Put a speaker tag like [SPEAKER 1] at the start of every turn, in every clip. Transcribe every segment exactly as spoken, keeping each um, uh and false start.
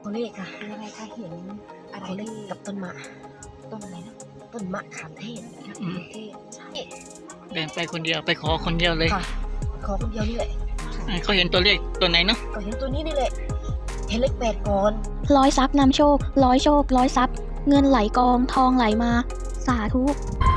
[SPEAKER 1] ตัวเลขค่ะ
[SPEAKER 2] ยังไงคะเห็นอะไร
[SPEAKER 1] ตัวเลข
[SPEAKER 2] ที่
[SPEAKER 1] กับต้นมะ
[SPEAKER 2] ต้นอะไรนะ
[SPEAKER 1] ต้นมะขามเทศ
[SPEAKER 2] มะขามเทศใช่
[SPEAKER 3] เดินไปคนเดียวไปขอคนเดียวเลย
[SPEAKER 1] ค่ะ ขอคนเดียวนี่แหละ
[SPEAKER 3] เขาเห็นตัวเลขตัวไหนเนาะ
[SPEAKER 1] ก็เห็นตัวนี้นี่แหละ เห็นเลขแปดก่อน
[SPEAKER 4] ร้อยทรัพย์นำโชค ร้อยโชค ร้อยทรัพย์ เงินไหลกองทองไหลมา สาธุ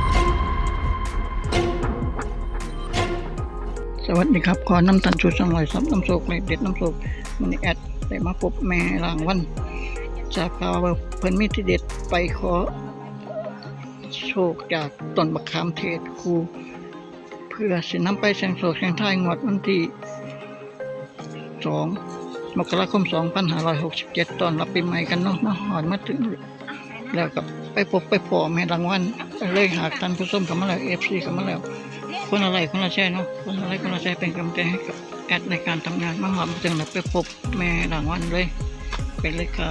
[SPEAKER 3] สวัสดีครับขอน้ำตันชูสังลอยซับน้ำโศกเลยเด็ดน้ำโศกมันแอดได้มาพบแม่รางวันจากข่าวว่าเพิ่นมีที่เด็ดไปขอโชคจากต้นมะขามเทศครูเพื่อสินำไปเสียงโศกเสียงทายงวดวันที่สองมกราคมสองพันห้าร้อยหกสิบเจ็ดตอนรับปีใหม่กันเนาะมาหอนมาถึงแล้วกับไปพบไปพอแม่รางวัลเลยหากท่านผู้ชมกันมาแล้ว เอฟ ซี กันมาแล้วคนอะไรคนละแช่เนาะคนอะไรคนละแช่เป็นกำลังใจให้กับแอดในการทำงานมาหอมจึงเลยไปพบแม่รางวัลเลยไปเลยครับ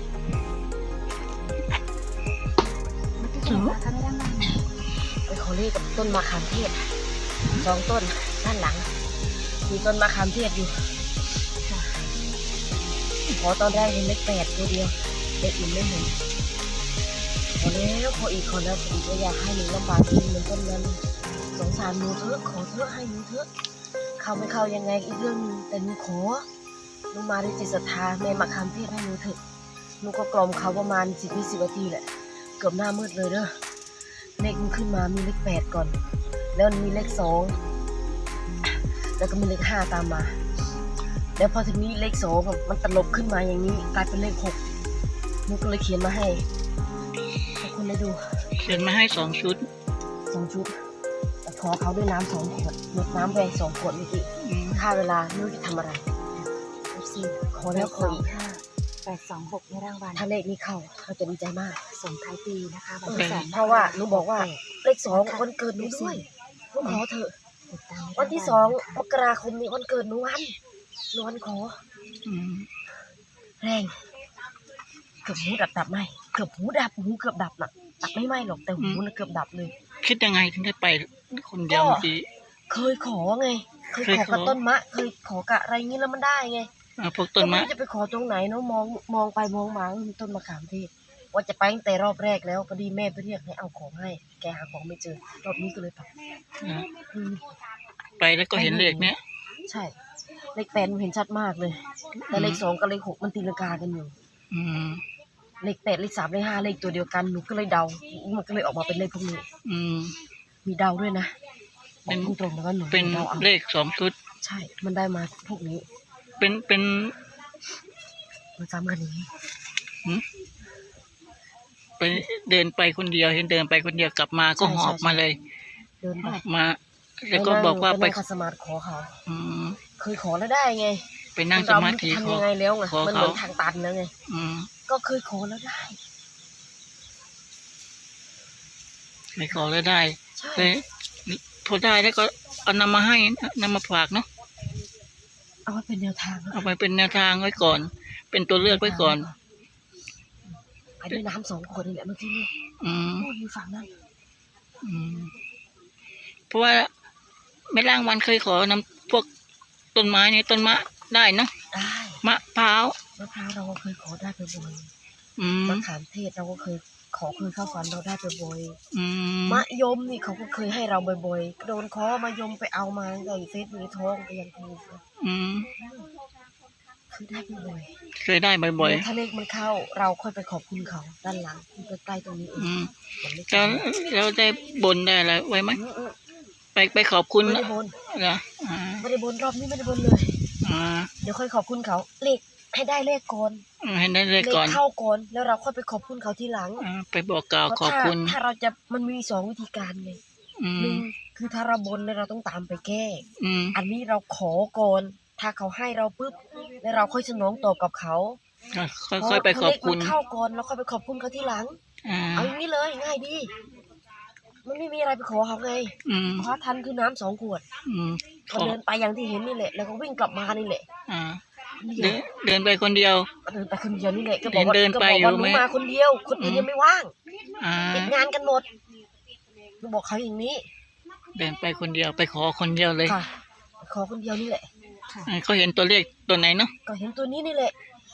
[SPEAKER 2] ที่ไหนคะไม่ได้มา
[SPEAKER 1] ไปขอเลขกับต้นมะขามเทศสองต้นด้านหลัง มีต้นมะขามเทศอยู่ขอตอนแรกเห็นเลขแปดตัวเดียวเลขอื่นไม่เห็นขอแล้วขออีกขอแล้วขออีกก็อยากให้หนูลำบากจริงเหมือนต้นนั้นสงสารหนูเถอะขอเถอะให้หนูเถอะเข้าไม่เข้ายังไงอีกเรื่องนึงแต่หนูขอหนูมาด้วยจิตศรัทธาแม่มะขามเทศให้หนูเถอะหนูก็กล่อมเขาประมาณสิบวิสิบนาทีแหละเกือบหน้ามืดเลยเด้อเลขมันขึ้นมามีเลขแปดก่อน แล้วมีเลขสองแล้วก็มีเลขห้าตามมาแล้วพอทีนี้เลขสองมันตลบขึ้นมาอย่างนี้กลายเป็นเลขหกหนูก็เลยเขียนมาให้ให้คุณได้ดู
[SPEAKER 3] เขียนมาให้สองชุด
[SPEAKER 1] สองชุดแต่ขอเขาด้วยน้ำสองขวดหมดน้ำแดงสองขวดเมื่อกี้
[SPEAKER 3] อืม
[SPEAKER 1] ค่าเวลาไม่รู้จะทำอะไร
[SPEAKER 2] เอฟซี
[SPEAKER 1] ขอแล้วขออีก
[SPEAKER 2] ห้าแปดสองหกในรางวัล
[SPEAKER 1] ถ้าเลขนี้เข้าเขาจะดีใจมาก
[SPEAKER 2] ส่งท้ายปีนะคะวัน
[SPEAKER 1] เออ
[SPEAKER 2] ที่สอง
[SPEAKER 1] เพราะว่าหนูบอกว่าเลขสองวันเกิดหนูด้วยหนูขอเถอะ
[SPEAKER 2] ติดตามใน
[SPEAKER 1] วันที่ส
[SPEAKER 2] รา
[SPEAKER 1] อง
[SPEAKER 2] วัล
[SPEAKER 1] มกราคมนี้วันเกิดหนูวันหนูวันขอ
[SPEAKER 3] อืม
[SPEAKER 1] แรงเกือบหูดับดับไหมเกือบหูดับหูเกือบดับน่ะดับไม่ไหมหรอกแต่หูน่ะเกือบดับเลย
[SPEAKER 3] คิดยังไงถึงได้ไปคนเดียว
[SPEAKER 1] ก็
[SPEAKER 3] เมื่อกี้
[SPEAKER 1] เคยขอไง เคย
[SPEAKER 3] เคย
[SPEAKER 1] ขอ
[SPEAKER 3] ขอ
[SPEAKER 1] กับต้นมะ เคยขอกับอะไรงี้แล้วมันได้ไง
[SPEAKER 3] อ่าพวกต้น
[SPEAKER 1] ก็ไม่
[SPEAKER 3] มะ
[SPEAKER 1] รู้จะไปขอตรงไหนเนาะมองมองไปมองมามีต้นมะขามเทศว่าจะไปตั้งแต่รอบแรกแล้วพอดีแม่ไปเรียกให้เอาของให้ แกหาของไม่เจอรอบนี้ก็เลยไป
[SPEAKER 3] อ่า
[SPEAKER 1] อืม
[SPEAKER 3] ไปแล้วก็เห็นเลขเนี้ย
[SPEAKER 1] ใช่เลขแปดมันเห็นชัดมากเลย แต่เลขสองกับเลขหกมันตีลังกากันอยู่
[SPEAKER 3] อืม
[SPEAKER 1] เลขแปดเลขสามเลขห้าเลขตัวเดียวกันหนูก็เลยเดา มันก็เลยออกมาเป็นเลขพวกนี้
[SPEAKER 3] อืม
[SPEAKER 1] มีเดาด้วยนะบ
[SPEAKER 3] เป็
[SPEAKER 1] อน กตรงๆแล้วก็หนู
[SPEAKER 3] เป็น
[SPEAKER 1] เดาเอา
[SPEAKER 3] เลขสองชุด
[SPEAKER 1] ใช่ มันได้มาพวกนี้
[SPEAKER 3] เป็นเป็น
[SPEAKER 1] มันซ้ำกันอย่างนี้
[SPEAKER 3] หืมไปเดินไปคนเดียวเห็นเดินไปคนเดียวกลับมาก็
[SPEAKER 1] ใช่
[SPEAKER 3] หอบ
[SPEAKER 1] ใช่
[SPEAKER 3] มาเลย
[SPEAKER 1] เดิน
[SPEAKER 3] ห
[SPEAKER 1] ไป
[SPEAKER 3] อบมา แล้วก็บอกว่า
[SPEAKER 1] ไป
[SPEAKER 3] ไป
[SPEAKER 1] นั่งคัสมาธิขอเขา
[SPEAKER 3] อืม
[SPEAKER 1] เคยขอแล้วได้ไง
[SPEAKER 3] ไปนั่งสมาธิ
[SPEAKER 1] เร
[SPEAKER 3] ข
[SPEAKER 1] ทำ
[SPEAKER 3] อ
[SPEAKER 1] ยังไงแล้วไง
[SPEAKER 3] ขอ
[SPEAKER 1] มันเห
[SPEAKER 3] เขา
[SPEAKER 1] มือนทางตันแล้วไง
[SPEAKER 3] อืม
[SPEAKER 1] ก็เคยขอแล้วได้
[SPEAKER 3] ไปขอแล้วได้
[SPEAKER 1] ใช่
[SPEAKER 3] เลยพอได้แล้วก็เอานำมาให้นำมาฝากเนาะ
[SPEAKER 1] เอาไว้เป็นแนวทาง
[SPEAKER 3] เอาไปเป็นแนวทางไว้ก่อน เป็นตัวเลือกไว้ก่อน
[SPEAKER 1] ไปด้วยน้ำสองขวดนี่แหละเมื่อกี้นี่
[SPEAKER 3] อืม
[SPEAKER 1] โอ้ยอยู่ฝั่งนั้น
[SPEAKER 3] อืมเพราะว่าแม่ร่างวันเคยขอนำพวกต้นไม้ในต้นมะได้เนาะ
[SPEAKER 1] ได้
[SPEAKER 3] มะพร้าว
[SPEAKER 1] มะพร้าวเราก็เคยขอได้บ่อย
[SPEAKER 3] อืม
[SPEAKER 1] ๆมะขามเทศเราก็เคยขอเคยเข้าฝันเราได้บ่อย
[SPEAKER 3] อืม
[SPEAKER 1] ๆมะยมนี่เขาก็เคยให้เราบ่อยๆโดนขอมายมไปเอามาใส่เฟซมีทองก็ยังถูก
[SPEAKER 3] อืม
[SPEAKER 1] คือได้บ่อย
[SPEAKER 3] เคยได้
[SPEAKER 1] ๆ
[SPEAKER 3] บ่อย
[SPEAKER 1] ถ้าเลขมันเข้าเราค่อยไปขอบคุณเขาด้านหลังที่ใกล้ๆตรงนี้เอ
[SPEAKER 3] ๆ
[SPEAKER 1] ง
[SPEAKER 3] อืม
[SPEAKER 1] มันไม่
[SPEAKER 3] แล้วเราได้บนได้อะไรไว้ไหม
[SPEAKER 1] อืม
[SPEAKER 3] ไปไปขอบคุณ
[SPEAKER 1] ไม่ได้บน
[SPEAKER 3] เหรออ่า
[SPEAKER 1] ไม่ได้บนรอบนี้ไม่ได้บนเลย
[SPEAKER 3] อ่า
[SPEAKER 1] เดี๋ยวค่อยขอบคุณเขาเลขให้ได้เลขก่อน
[SPEAKER 3] ให้ได้เลย
[SPEAKER 1] เลข
[SPEAKER 3] ก่อน
[SPEAKER 1] เข้าก่อนแล้วเราค่อยไปขอบคุณเขาทีหลัง
[SPEAKER 3] อ่าไปบอกกล่าว
[SPEAKER 1] เพราะ
[SPEAKER 3] ขอบ
[SPEAKER 1] ถ้า
[SPEAKER 3] คุณ
[SPEAKER 1] ถ้าเราจะมันมีสองวิธีการไง
[SPEAKER 3] อื
[SPEAKER 1] หนึ่
[SPEAKER 3] ม
[SPEAKER 1] งคือถ้าเราบนแล้วเราต้องตามไปแก้
[SPEAKER 3] อืม
[SPEAKER 1] อันนี้เราขอก่อนถ้าเขาให้เราปุ๊บแล้วเราค่อยสนองตอบกับเขา
[SPEAKER 3] ค่อยๆไปขอบคุณ
[SPEAKER 1] เพราะเลขมันเข้าก่อนแล้วค่อยไปขอบคุณเขาทีหลัง
[SPEAKER 3] อ่า
[SPEAKER 1] เอาอย่างนี้เลยง่ายดี มันไม่มีอะไรไปขอเขาไง
[SPEAKER 3] อืม
[SPEAKER 1] ขอทันคือน้ำสองขวด
[SPEAKER 3] อืมข
[SPEAKER 1] ก็
[SPEAKER 3] อ
[SPEAKER 1] เดินไปอย่างที่เห็นนี่แหละ แล้วก็วิ่งกลับมานี่แหละ
[SPEAKER 3] อ่า
[SPEAKER 1] เดี
[SPEAKER 3] เดิ
[SPEAKER 1] ย
[SPEAKER 3] น
[SPEAKER 1] ว
[SPEAKER 3] เดินไปคนเดียว
[SPEAKER 1] ก็เดินไปคนเดียวนี่แหละก็บอกว่า
[SPEAKER 3] เดิน
[SPEAKER 1] ก็
[SPEAKER 3] ไป
[SPEAKER 1] บอกว่า
[SPEAKER 3] อยู่
[SPEAKER 1] หนู
[SPEAKER 3] ไหม
[SPEAKER 1] มาคนเดียว คนอื่น
[SPEAKER 3] อืม
[SPEAKER 1] ยังไม่ว่าง
[SPEAKER 3] อ่า
[SPEAKER 1] ติดงานกันหมดหนูบอกเขาอย่างนี้
[SPEAKER 3] เดินไปคนเดียวไปขอคนเดียวเลย
[SPEAKER 1] ค่ะ ขอคนเดียวนี่แหละ
[SPEAKER 3] อ่าเขาเห็นตัวเลขตัวไหนเนาะ
[SPEAKER 1] ก็เห็นตัวนี้นี่แหละ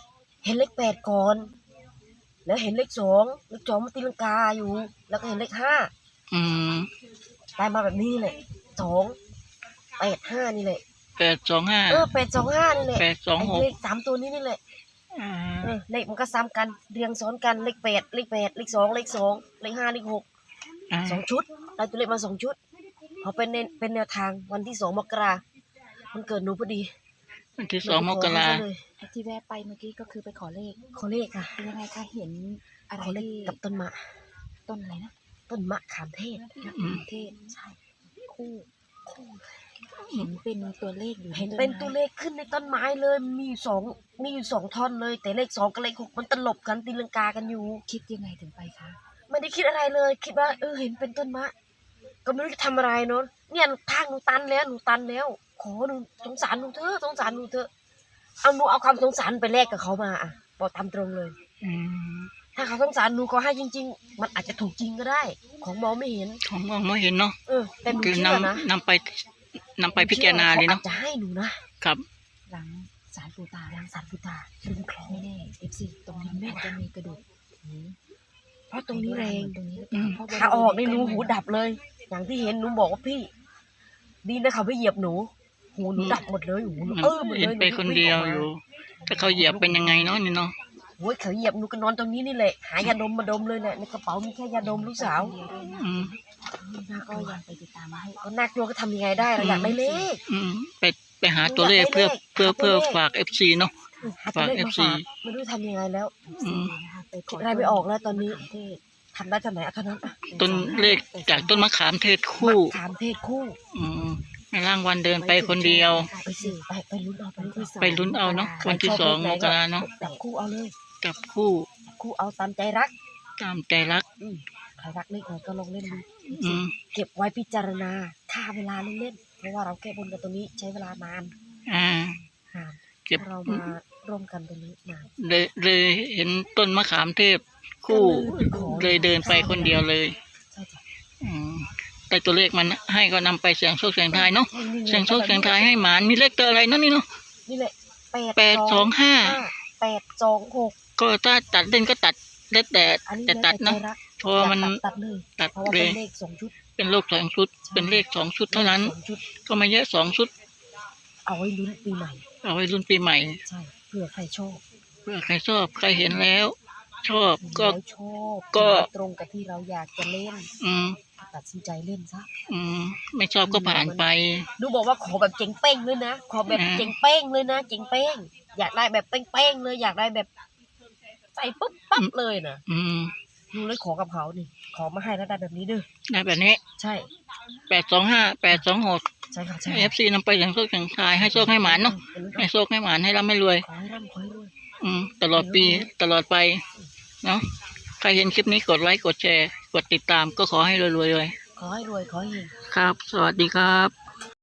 [SPEAKER 1] เห็นเลขแปดก่อน แล้วเห็นเลขสองเลขสองมันตีลังกาอยู่ แล้วก็เห็นเลขห้า
[SPEAKER 3] อืม
[SPEAKER 1] ได้มาแบบนี้นี่แหละสองแปดห้านี่แหละ
[SPEAKER 3] แปดสองห้า
[SPEAKER 1] เออแปดสองห้านี่แหละ
[SPEAKER 3] แปดสองหก
[SPEAKER 1] ไเลขสามตัวนี้นี่แหละ
[SPEAKER 3] อ่า
[SPEAKER 1] เออเลขมันก็ซ้ำกันเรียงซ้อนกันเลขแปดเลขแปดเลขสองเลขสองเลขห้าเลขหก
[SPEAKER 3] อ่า
[SPEAKER 1] สองชุดได้ตัวเลขมาสองชุดพอเป็นเนเป็นแนวทางวันที่สองมกรามันเกิดหนูพอดี
[SPEAKER 3] วันที่สองมกรา
[SPEAKER 1] หนูไปขอเขซะเลย
[SPEAKER 2] ที่แวะไปเมื่อกี้ก็คือไปขอเลข
[SPEAKER 1] ขอเลขค่ะ
[SPEAKER 2] เป็นยังไงคะเห็นอะไร
[SPEAKER 1] ขอเลข
[SPEAKER 2] ที่
[SPEAKER 1] กับต้นมะ
[SPEAKER 2] ต้นอะไรนะ
[SPEAKER 1] ต้นมะขามเทศ
[SPEAKER 3] อืม
[SPEAKER 2] เทศใช่คู่คู่เห็นเป็นตัวเลขอยู่ใ
[SPEAKER 1] เห็นเป็นตัวเลขขึ้นในต้นไม้เลยมีอยู่สองมีอยู่สองท่อนเลย แต่เลขสองกับเลขหกมันตลบกันตีลังกากันอยู่
[SPEAKER 2] คิดยังไงถึงไปคะ
[SPEAKER 1] ไม่ได้คิดอะไรเลย คิดว่าเออเห็นเป็นต้นมะ ก็ไม่รู้จะทำอะไรเนาะเนี่ยทางหนูตันแล้วหนูตันแล้ว ขอหนูสงสารหนูเถอะสงสารหนูเถอะเอาหนูเอาความสงสารไปแลกกับเขามาอ่ะบอกตามตรงเลย
[SPEAKER 3] อืม
[SPEAKER 1] ถ้าเขาสงสารหนูก็ให้จริง ๆ มันอาจจะถูกจริงก็ได้ ของมองไม่เห็น
[SPEAKER 3] ของมองไม่เห็นเนาะ
[SPEAKER 1] เออ แต่หนู
[SPEAKER 3] คือ
[SPEAKER 1] เชื่อนะ
[SPEAKER 3] นำนำไปนำไปพิจารณาเลย
[SPEAKER 1] เขา
[SPEAKER 3] เนาะ
[SPEAKER 1] อาจจะให้หนูนะครับ
[SPEAKER 2] หลังสารปูตา
[SPEAKER 1] ล้างสารพุตาริมคลอง
[SPEAKER 2] ไม่แน่เอฟซีตรงนี้อาจจะมีกระดูกหู
[SPEAKER 1] เพราะตรงนี้แรง
[SPEAKER 2] ตรงนี้หรือเป
[SPEAKER 3] อื
[SPEAKER 2] ล่าม เพระบริเวณ
[SPEAKER 1] ถ้าออกในหนูหูดับเลย อย่างที่เห็นหนูบอกว่าพี่ ดีนะเขาไม่เหยียบหนู หูหนูดับหมดเลยหูหนู
[SPEAKER 3] มัน
[SPEAKER 1] เออหมด
[SPEAKER 3] เห็
[SPEAKER 1] เล
[SPEAKER 3] น
[SPEAKER 1] ย
[SPEAKER 3] ไปคนเดียวอยู่ ถ้าเขาเหยียบเป็นยังไงเนาะนี่เนาะ
[SPEAKER 1] โอ้ยเขาเหยียบหนูก็นอนตรงนี้นี่แหละ หายาดมมาดมเลยแหละในกระเป๋ามีแค่ยาดมลูกสาว
[SPEAKER 3] อืม
[SPEAKER 2] น่ากลัวยังไปติดตามมาให้
[SPEAKER 1] ก็น่ากลัวก็ทำยังไงได้เราอยากได้เลข
[SPEAKER 3] อืมไปไปหาตัวเลขเพื่อเพื่อเพื่อฝากเอฟซีเนาะ
[SPEAKER 1] หาตัวเลข
[SPEAKER 3] ฝาก
[SPEAKER 1] มา
[SPEAKER 3] เอฟซี
[SPEAKER 1] ฝากไม่รู้ทำยังไงแล้ว
[SPEAKER 3] อืม
[SPEAKER 2] นะคะไปข
[SPEAKER 1] คิดอะไรไม่ออกแล้วตอนนี้ทำได้เท่าไหนเอาเท่านั้นอ่ะ
[SPEAKER 3] ต้นเลขจากต้นมะขามเทศคู่
[SPEAKER 1] ถามเพศคู่
[SPEAKER 3] อืมในร่างวันเดินไปคนเดียว
[SPEAKER 1] ไปสิไปไปลุ้นเอาไปลุ้นเอา
[SPEAKER 3] ไปลุ้นเอาเนาะวันที่สองมกราเนาะ
[SPEAKER 1] จับคู่เอาเลย
[SPEAKER 3] กับคู่
[SPEAKER 1] คู่เอาตามใจรัก
[SPEAKER 3] ตามใจรัก
[SPEAKER 1] อืมใครรักเลขไหนก็ลองเล่นดู
[SPEAKER 3] อืม
[SPEAKER 1] เก็บไว้พิจารณาค่าเวลาเล่นๆเพราะว่าเราแก้บนกันตรงนี้ใช้เวลานาน
[SPEAKER 3] อ่า
[SPEAKER 1] นาน
[SPEAKER 3] เก็บ
[SPEAKER 1] ถ้าเรามาร่วมกันตรงนี้นาน
[SPEAKER 3] เลยเลยเห็นต้นมะขามเทพคู่ เลยเดินไปคนเดียวเลย
[SPEAKER 1] ใช่จ้ะ
[SPEAKER 3] อืมแต่ตัวเลขมันให้ก็นำไปเสียงโชคเสียงทายเนาะ
[SPEAKER 1] นี่ไ
[SPEAKER 3] เสียงโชคเสียงทายให้หมานมีเลขตัวอะไรเนาะนี่เนาะ
[SPEAKER 1] นี่แหละแปด
[SPEAKER 3] แปดสองห้า
[SPEAKER 1] แปดสองหก
[SPEAKER 3] ก็ถ้าตัดเล่นก็ตัดเล็ดแต่
[SPEAKER 1] อันนี้
[SPEAKER 3] แต่ตัดเนาะ
[SPEAKER 1] แล้วแต่ใจรัก
[SPEAKER 3] เพราะว่ามัน
[SPEAKER 1] อยากตัดตัดเลย
[SPEAKER 3] ตัด
[SPEAKER 1] เพราะว่า
[SPEAKER 3] เล
[SPEAKER 1] เป็
[SPEAKER 3] ย
[SPEAKER 1] นเลขสองชุด
[SPEAKER 3] เป็นโลกสองชุด เป็นเลขสองชุดเท่านั้น
[SPEAKER 1] สองชุด
[SPEAKER 3] ก็ไม่เยอะสองชุด
[SPEAKER 1] เอาไว้ลุ้นปีใหม่
[SPEAKER 3] เอาไว้รุ่นปีใหม่
[SPEAKER 1] ใช่เผื่อใครชอบ
[SPEAKER 3] เพื่อใครชอบใครเห็นแล้ว ชอบก็
[SPEAKER 1] แล้วชอบ
[SPEAKER 3] ก็
[SPEAKER 1] ตรงกับที่เราอยากจะเล่น
[SPEAKER 3] อืม
[SPEAKER 1] ตัดสินใจเล่นซะ
[SPEAKER 3] อืม ไม่ชอบก็ผ่านไป
[SPEAKER 1] ดูบอกว่าขอแบบเจ๋งเป้งเลยนะขอแบบ
[SPEAKER 3] อ่า
[SPEAKER 1] เจ๋งเป้งเลยนะเจ๋งเป้งอยากได้แบบเป้งๆเลยอยากได้แบบใส่ปุ๊บปั๊บเลยนะ
[SPEAKER 3] อืม
[SPEAKER 1] ดูเลยขอกับเขานี่ขอมาให้แล้วได้แบบนี้เด้อ
[SPEAKER 3] ได้แบบนี้
[SPEAKER 1] ใช่
[SPEAKER 3] แปดสองห้าแปดสองหก
[SPEAKER 1] ใช่ค่ะใช่
[SPEAKER 3] เอฟซีนำไปอย่างโชคอย่างทายให้โชคให้หมานเนาะให้โชคให้หมานให้ร่ำให้รวย
[SPEAKER 1] ขอให้ร่ำขอให้รวย
[SPEAKER 3] อืม ตลอดปีตลอดไปเนาะใครเห็นคลิปนี้กดไลค์กดแชร์ กดติดตามก็ขอให้รวยๆเลย
[SPEAKER 1] ขอให้รวยขอให้เฮง
[SPEAKER 3] ครับ สวัสดีครับ